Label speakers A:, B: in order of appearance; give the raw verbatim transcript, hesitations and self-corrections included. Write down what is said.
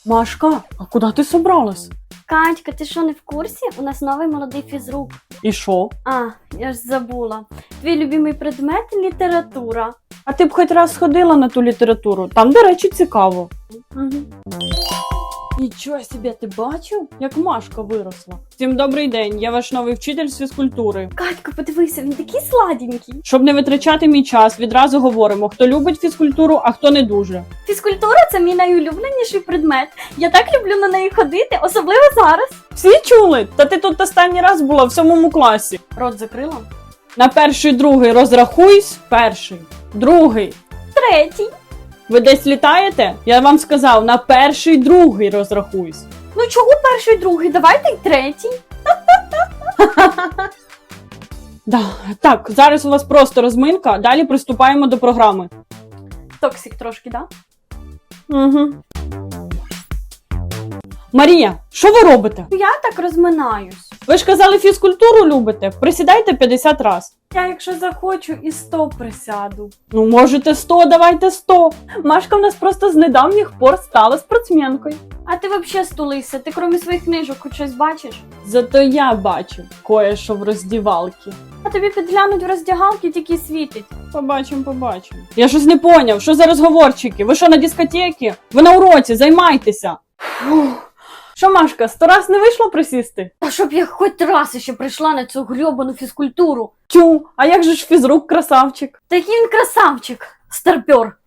A: Машка, а куди ти собралась?
B: Катька, ти що, не в курсі? У нас новий молодий фізрук.
A: І що?
B: А, я ж забула. Твій любимий предмет – література.
A: А ти б хоч раз сходила на ту літературу? Там, до речі, цікаво.
B: Угу.
A: Нічого собі, ти бачив, як Машка виросла? Всім добрий день, я ваш новий вчитель з фізкультури.
B: Катька, подивися, він такий сладенький.
A: Щоб не витрачати мій час, відразу говоримо, хто любить фізкультуру, а хто не дуже.
B: Фізкультура – це мій найулюбленіший предмет. Я так люблю на неї ходити, особливо зараз.
A: Всі чули? Та ти тут останній раз була в сьомому класі.
B: Рот закрила?
A: На перший, другий розрахуйсь. Перший, другий.
B: Третій.
A: Ви десь літаєте? Я вам сказав, на перший, другий розрахуйсь.
B: Ну чого перший, другий? Давайте й третій.
A: Да. Так, зараз у вас просто розминка, далі приступаємо до програми.
B: Токсик трошки, да?
A: Угу. Марія, що ви робите?
B: Я так розминаюсь.
A: Ви ж казали, фізкультуру любите? Присідайте п'ятдесят раз.
B: Я, якщо захочу, і сто присяду.
A: Ну, можете сто, давайте сто. Машка в нас просто з недавніх пор стала спортсменкою.
B: А ти взагалі стулися? Ти крім своїх книжок хоч щось бачиш?
A: Зато я бачу кое-що в роздівалці.
B: А тобі підглянуть в роздягалки тільки світить.
A: Побачимо, побачимо. Я щось не поняв, що за розговорчики? Ви що, на дискотеці? Ви на уроці, займайтеся. Фух. Що, Машка, сто раз не вийшло присісти?
B: Та щоб я хоч раз ще прийшла на цю грьобану фізкультуру.
A: Тю, а як же ж фізрук красавчик?
B: Та який він красавчик, старпьор.